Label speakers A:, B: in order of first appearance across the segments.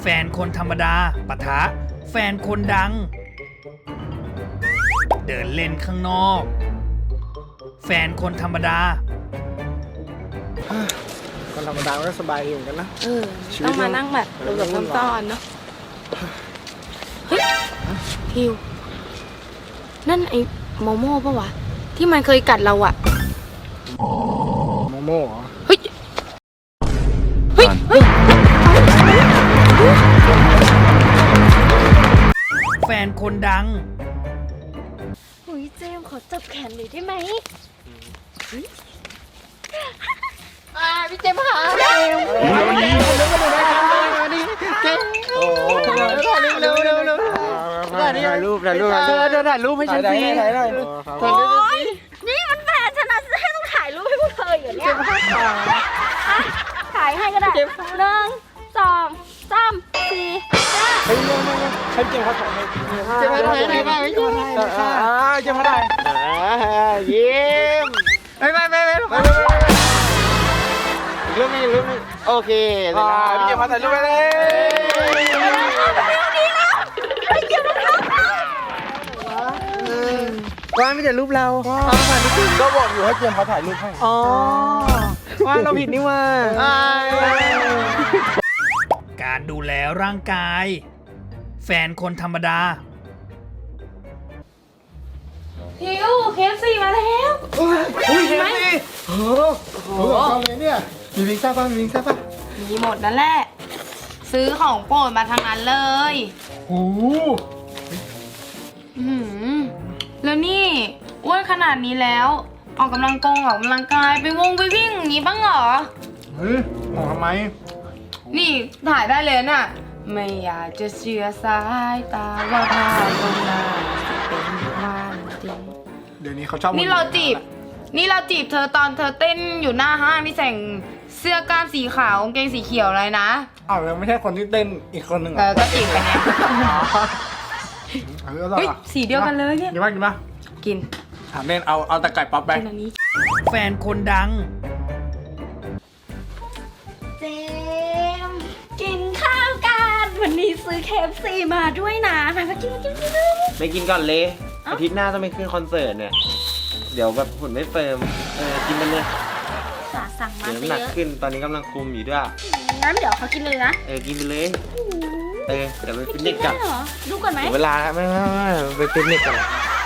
A: แฟนคนธรรมดาปะทะแฟนคนดัง เดินเล่นข้างนอก แฟนคนธรรมดา
B: คนธรรมดาก็สบายดีเหมือนกันนะ
C: ต้องมานั่งแบบหลบๆซ่อนๆเนาะเฮ้ยฮิวนั่นไอ้โมโม่ปะวะที่มันเคยกัดเราอะ
B: โมโม่เหรอ
C: เฮ้ยเฮ้ยเฮ้ย
A: แฟนคนดัง
D: หุยเจมส์ขอจับแขนหน่อยได้ไหมพี่เจมส์ค่ะเจมส์
B: ถ่ายรูปให้ฉันสิ
D: โอ๊ยนี่มันแฟนฉันนะให้ต้องถ่ายรูปให้พวกเธออย่างเนี้ยถ่ายให้ก็ได้1 2 3 4
B: ให้เจมส์เขาถ่ายให้เจมส์ถ่ายได้เจมส์ถ่ายยิ้มไม่รูปนี้โอเคพี่เจมส์เขาถ่ายรูปไปเลยว่าไม่แต่รูปเราก็บอกอยู่ให้เจมส์เขาถ่ายรูปให้อ๋อว่าเราผิดนี่ว่า
A: การดูแลร่างกาย แฟนคนธรรมดา
C: ฮิวเคฟซีมาแล้ว
B: อุ้ยเห็นไหมโอ้โหเอาเลยเนี่ยมีวิงซ่าป่ะ
C: มีหมดนั่นแหละซื้อของโปรดมาทางนั้นเลย
B: โอ้โห
C: แล้วนี่อ้วนขนาดนี้แล้วออกกำลังกายไปวิ่งอย่างนี้บ้างเหรอ
B: เฮ้ยมองทำไม
C: นี่ถ่ายได้เลยน่ะไม่อยากจะเชื่อสายตาว่าภาพตรงหน้าจะเป็นความจริง
B: เดี๋ยวนี้เขาชอบ
C: นี่เราจีบเธอตอนเธอเต้นอยู่หน้าห้างที่ใส่เสื้อกล้ามสีขาวกางเกงสีเขียวอะไรนะ
B: อ้าวแล้วไม่ใช่คนที่เต้นอีกคนหนึ่งเหร
C: เอ
B: อ
C: อก็จีบไปไง
B: เฮ้ย
C: สีเดียวกันเลยเนี่ย
B: กินป่ะ
C: กิน
B: ถามเล่นเอาแต่ไก่ป๊อปไป
C: กินอันนี้
A: แฟนคนดัง
D: เจมส์กินข้าวกันวันนี้ซื้อเคฟซีมาด้วยนะมากิน
E: ไม่กินก่อนเลยอาทิตย์หน้าต้องไปขึ้นคอนเสิร์ตเนี่ย เดี๋ยวแบบหุ่นไม่เฟิร์มกินมันเลย
D: สั่งมา
E: เดี๋ยว
D: เย
E: น้ำหนัก
D: อะ
E: ขึ้นตอนนี้กำลังคุมอยู่ด้วย
D: งั้นเดี๋ยวเขากินเลยนะ
E: กินไปเลยเดี๋ยวไปฟิตเนสกัน
D: ได้เหรอดูก่อนไหม
E: เดี๋ยวเวลาแล้วไม่ไปฟิตเนสกัน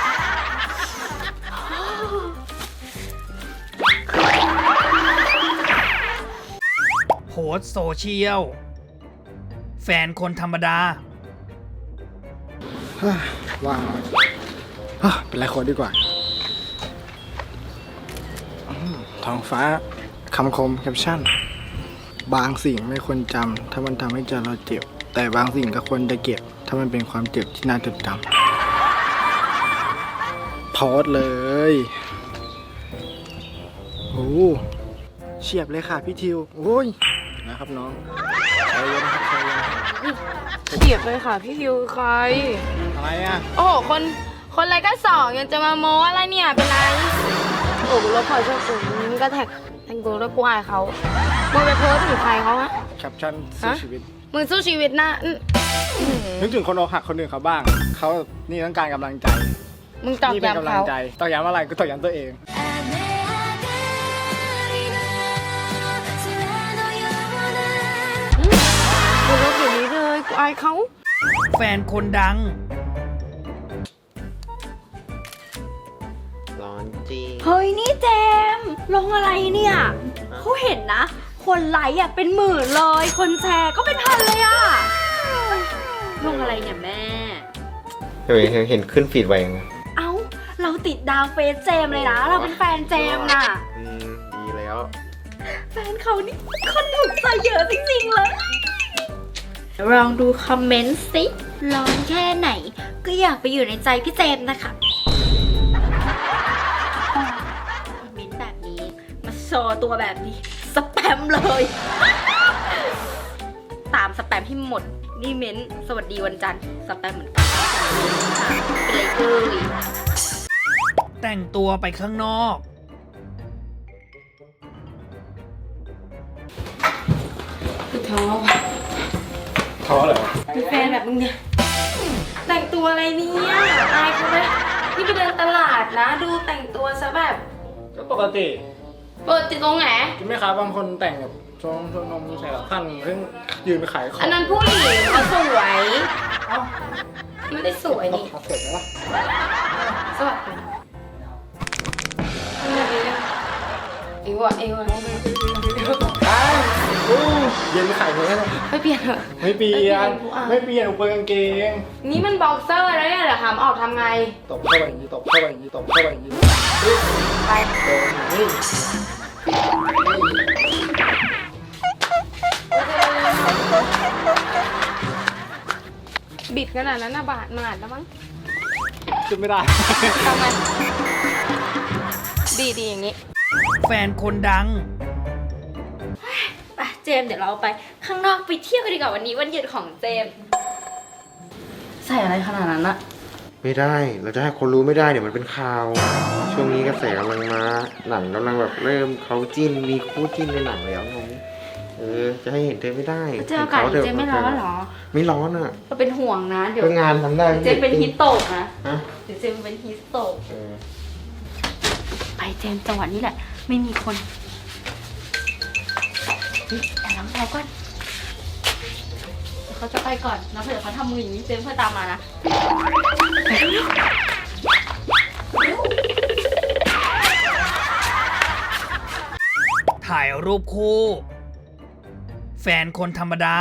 A: โพสต์โซเชียล แฟนคนธรรมดา
B: ว่างเป็นไรคนดีกว่าท้องฟ้าคำคมแคปชั่นบางสิ่งไม่ควรจำถ้ามันทำให้ใจเราเจ็บ แต่บางสิ่งก็ควรจะเก็บ ถ้ามันเป็นความเจ็บที่น่าจดจำโพสต์เลยโอ้เฉียบเลยค่ะพี่ทิวโอ้ยนะครับน้องใช้เยอะนะครับใช้เยอะนะครับ
C: เกียบเลยค่ะพี่ฮิวใคร
B: อะไรอ่ะ
C: โอ้โหคนไรก็2ยังจะมาโม้อะไรเนี่ยเป็นไรโอ้โหแล้วพอชอบกูมึงก็แท็กกูแล้วกูอายเขามึงไปโพสต์ถึงใครเขาอะ
B: แคปชั่นสู้ชีวิต
C: มึงสู้ชีวิตนะ
B: นึกถึงคนอกหักคนอื่นเขาบ้าง เขานี่ต้องการกำลังใจ
C: มึงตอก
B: นี่เป็นกำ
C: ย้ำ
B: ลัง
C: เขา
B: ใจตอกย้ำอะไรก็ตอกย้ำตัวเอง
C: กูรู้อย่างนี้เลยกูอายเขา
A: แฟนคนดัง
E: ร้อนจริง
D: เฮ้ยนี่เจมส์ลงอะไรเนี่ยเขาเห็นนะ คนไลค์เป็นหมื่นเลยคนแชร์ก็เป็นพันเลยอะลงอะไรเนี่ยแม่
E: เห็นขึ้นฟีดไว้ยังไง
D: เอ้าเราติดดาวเฟซเจมส์เลยนะเราเป็นแฟนเจมส์น่ะ
E: ดีแล้ว
D: แฟนเขานี่คนถูกใจเยอะจริงๆเลย ลองดูคอมเมนต์สิร้อนแค่ไหน ก็อยากไปอยู่ในใจพี่เจมส์นะคะ คอมเมนต์แบบนี้ มาโชว์ตัวแบบนี้ สแปมเลย ตามสแปมให้หมด นี่เม้นต์สวัสดีวันจันทร์สแปมเหมือนกันเป็นไรเลย
A: แต่งตัวไปข้างนอก
C: ท้อ
B: เขาเหรอ
C: มีแฟนแบบมึงเนี่ยแต่งตัวอะไรเนี่ยอายเขาไหมนี่ไปเดินตลาดนะ ดูแต่งตัวซะแบบ
B: ก็ปกติ
C: เปิดติดตรงไหน
B: ที่แม่ค้าบางคนแต่งแบบช่วงนมใส่กับขั้นซึ่งยืนไปขายของ
C: อันนั้นผู้หญิงเขาสวย
B: เอ้า
C: ไม่ได้สวยนี่
B: เขาสวยไหมล่ะ
C: สวัสดีเอวอะ
B: อ้าวอู้เย็นขายของให้หน่อย
C: ไม่เปลี่ยนเหรอ
B: ไม่เปลี่ยนไม่เปลี่ยนอุปกรณ์กางเกง
C: นี่มันบ็อกเซอร์แล้วเนี่ยเดี๋ยวหามออกทำไง
B: ตบเข้าไปอย่างนี้ตบเข้าไปอย่างนี้ตบเข้าไปอย่างนี้
C: ไป
B: โดนนี่
C: บิดขนาดนั้นนะบาดหนาดแล้วมั้ง
B: ขึ้นไม่ได้
C: ทำไมดีอย่างนี้
A: แฟนคนดัง
D: ไปเจมส์เดี๋ยวเราไปข้างนอกไปเที่ยวกันดีกว่าวันนี้วันหยุดของเจมส์
C: ใส่อะไรขนาดนั้นอะ
E: ไม่ได้ เราจะให้คนรู้ไม่ได้เดี๋ยวมันเป็นข่าว ช่วงนี้กระแสกำลังมา หนังกำลังแบบเริ่มเขาจิ้น มีคู่จิ้นในหนังแล้วไงจะให้เห็นเธอไม่ได้
C: เจออากาศเจมไม่ร้อนเหรอ
E: ไม่ร้อนอ่ะ
C: เราเป็นห่วงนะ เดี๋ยว
E: เพื่องานทำได้
C: เจมเป็นฮิตโตกนะ
E: ฮะ
C: เดี๋ยวเจมเป็นฮิตโตก
E: เออ
C: ไปเจมจังหวะนี้แหละ ไม่มีคนเฮ้ยแต่น้ำเราก่อนเดี๋ยวเขาจะไปก่อนแล้วเผื่อเขาทำมืออย่างนี้เจมเพื่อตามมานะ
A: ถ่ายรูปคู่ แฟนคนธรรมดา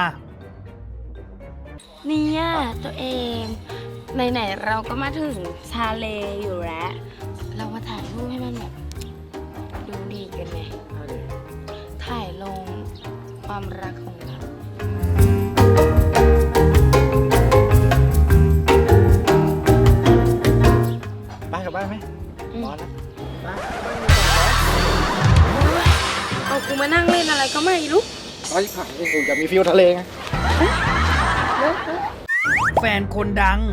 C: เนี่ยตัวเอง ไหนๆเราก็มาถึงชาเลอยู่แล้ว เรามาถ่ายรูปให้มันแบบดูดีกันไหมถ่ายลงความรักของเรา
B: ไปกลับบ้านไหมร้อนนะ
C: เอากูมานั่งเล่นอะไรก็ไม่รู้
B: ร้อนที่ผ่านกูอยากมีฟิวทะเลไง
A: แฟนคนดัง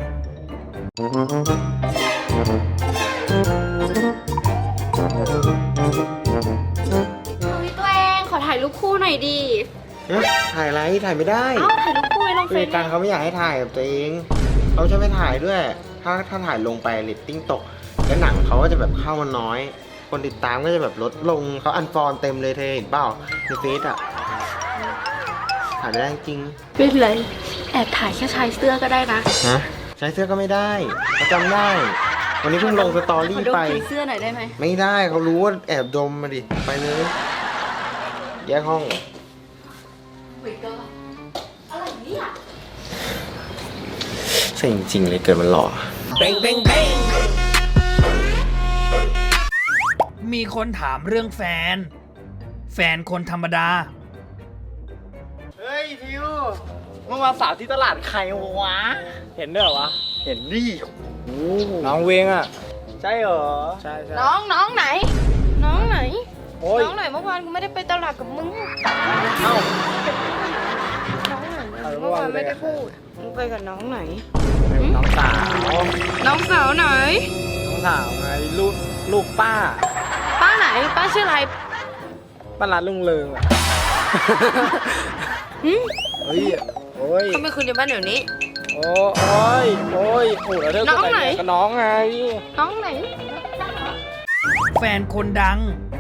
D: เฮ้ยตัวเองขอถ่ายรูปคู่หน่อยดี
E: เอ๊ะถ่ายอะไรถ่ายไม่ได้
D: เอ้าถ่ายรูปคู่ไว้ลงเฟ
E: ผู้
D: ซ
E: จัดการเขาไม่อยากให้ถ่ายกับตัวเอง เขาจะไม่ถ่ายด้วย ถ้าถ่ายลงไปเรตติ้งตก แล้วหนังเขาก็จะแบบเข้ามาน้อย คนติดตามก็จะแบบลดลง เขาอันฟอลเต็มเลยเธอเห็นเปล่าในเฟซอ่ะ ถ่ายไม่ได้จริง
C: ไม่เป็นไรแอบถ่ายแค่ชายเสื้อก็ได้นะ
E: ฮะใช้เสื้อก็ไม่ได้เขาจำได้ วันนี้เพิ่งลงสตอรี่
C: ขอดม
E: ไป
C: ผีเสื้อหน่อยได้ไหม
E: ไม่ได้เขารู้ว่าแอบดมมาดิ ไปเลย แยกห้อง
C: เฮ้ยก็อะไรเนี่ย
E: เซ็งจริงเลยเกิดมันหล่อ
A: มีคนถามเรื่องแฟน แฟนคนธรรมดา
B: เฮ้ยทิวเมื่อวานสาวที่ตลาดใครวะ เห็นด้วยเหรอวะ เห็นดิน้องเวงอ่ะ ใช่เหรอ ใช่ใช่
C: น้องไหน น้องไหน
B: โอ้ย
C: น้องไหนเมื่อวานกูไม่ได้ไปตลาดกับมึง
B: เอ้า
C: น้องไหนเมื่อวานไม่ได้พูดมึงไปกับน้องไหน
B: น้องสาว
C: น้องสาวไหน
B: น้องสาวไงลูกป้า
C: ป้าไหน ป้าชื่ออะไร
B: ป้ารัดลุงเริงอ่ะ
C: หึ
B: เฮ้ย โอ้ย
C: เขาไม่คืนในบ้านเดี๋ยวนี้
B: โอ้ยโอ้ยโอ้แล้วเธอ
C: น้องไหน
B: ก็น้องไง
C: น้องไหน
A: แฟนคนดัง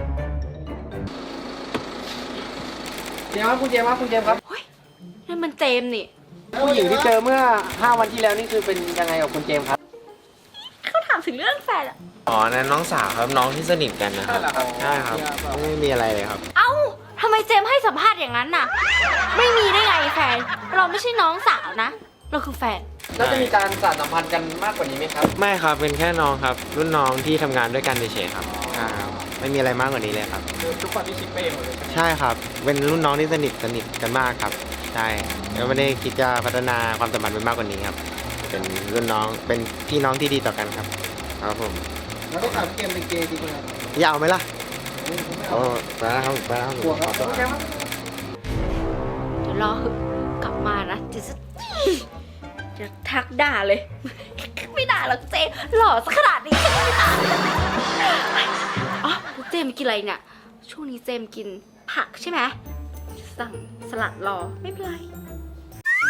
B: เจมส์ครับคุณเจมส์ครับคุณเจมส์ครับ
C: นั่นมันเจมส์นี่
B: ผู้หญิงที่เจอเมื่อ 5 วันที่แล้วนี่คือเป็นยังไงกับคุณเจมส์ครับ
D: เขาถามถึงเรื่องแฟนอะ
E: อ๋อนั่นน้องสาวครับ น้องที่สนิทกันนะครับ ใช่ครับ ไม่มีอะไรเลยครับ
D: เอ้าทำไมเจมส์ให้สัมภาษณ์อย่างนั้นน่ะ ไม่มีได้ไงแฟน เราไม่ใช่น้องสาวนะ เราคือแฟน
B: แล้วจะมีการสานสัมพันธ์กันมากกว่านี้ไหมครับ
E: ไม่ครับ เป็นแค่น้องครับ รุ่นน้องที่ทำงานด้วยกันเฉยๆครับใช่ครับ ไม่มีอะไรมากกว่านี้เลยครับ
B: ทุกคนที่ชิปเป้หมดเลย
E: ใช่ครับ เป็นรุ่นน้องที่สนิทกันมากครับ ใช่แล้วไม่ได้คิดจะพัฒนาความสัมพันธ์ไปมากกว่านี้ครับ เป็นรุ่นน้อง เป็นพี่น้องที่ดีต่อกันครับ ครับผม
B: แล้วก็ถามเกมเป็นเกย์จริงไหมครับ
E: อยากเอาไหมล่ะโอ้ไปแล้วครับไปแล้วครับ
B: กลัวครับคุณเจมส์
D: เดี๋ยวรอกลับมานะจะทักด่าเลย ไม่ด่าหรอกเจมส์หล่อสักขนาดนี้ไม่ด่าเลยอ๋อเจมส์กินอะไรเนี่ย ช่วงนี้เจมส์กินผักใช่ไหมสั่งสลัดรอไม่เป็นไร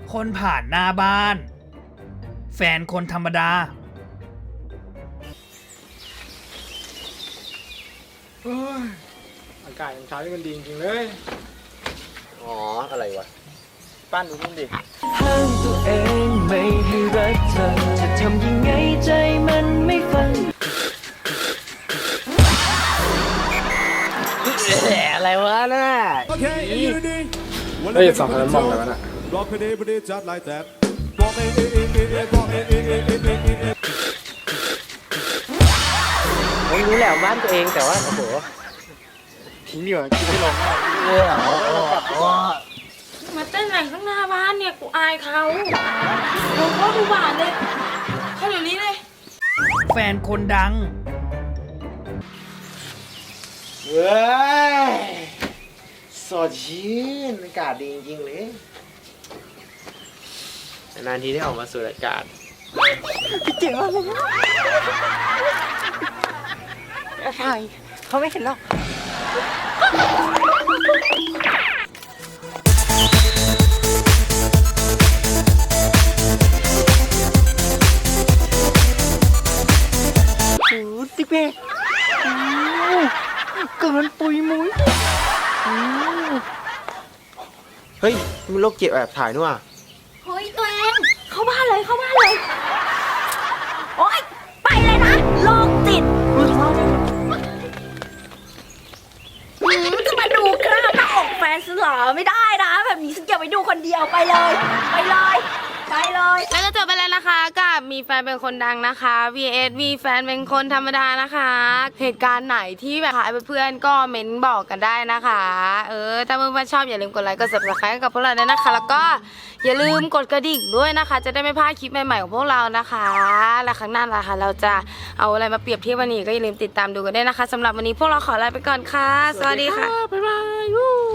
A: คนผ่านหน้าบ้าน แฟนคนธรรมดา
B: อากาศยามเช้านี่มันดีจริงๆเลย
E: อ๋อ อะไรวะ
B: ป้านดูนี่ดิ
F: ห้ามตัวเองไม่ให้รักเธอ จะทำยังไงใจมันไม่ฟัง
B: อะไรวะน่ะ
G: Okay, are you ready? Well,
B: เฮ้ย
G: let
B: สองคนนั้น
G: everybody
B: มอง
G: jump.
B: อะไรวะน่ะ
G: Rock it, just like that. Rock it, rock it,
B: ไม่รู้แหละบ้านตัวเองแต่ว่าโอ้โหทิ้งดีกว่าคิดไม่ลง
C: มาเต้นอะไรข้างหน้าบ้านเนี่ย กูอายเขาลงเข้าดูบ้านเลย เข้าเดี๋ยวนี้เลย
A: แฟนคนดัง
E: เว้ย สดชื่นอากาศดีจริงๆเลยนานๆทีได้ออกมาสูดอากาศ
F: เขาไม่เห็นหรอก
B: ติ๊กเป้เกินปุยมุ้ย
E: เฮ้ยมึงโรคเจ็บแอบถ่ายนู่นอ่ะ
D: เฮ้ยตัวเองเข้าบ้านเลยเข้าบ้านเลย โอ๊ย ไปเลยนะโรคจิตจะมาดูกล้ามหน้าอกแฟนฉันเหรอไม่ได้นะแบบนี้ฉันเก็บไว้ดูคนเดียวไปเลย ไปเลยไปเลยแล้วก็จบไปแล้วนะคะกับมีแฟนเป็นคนดังนะคะ vs มีแฟนเป็นคนธรรมดานะคะ เหตุการณ์ไหนที่แบบขายเพื่อนๆก็เม้นบอกกันได้นะคะ ถ้าเพื่อนๆชอบอย่าลืมกดไลค์กด subscribe กับพวกเราด้วยนะคะ แล้วก็อย่าลืมกดกระดิ่งด้วยนะคะ จะได้ไม่พลาดคลิปใหม่ๆของพวกเรานะคะและครั้งหน้าล่ะค่ะเราจะเอาอะไรมาเปรียบเทียบวันนี้ก็อย่าลืมติดตามดูกันด้วยนะคะสำหรับวันนี้พวกเราขอลาไปก่อนค่ะสวัสดีค่ะบ๊ายบาย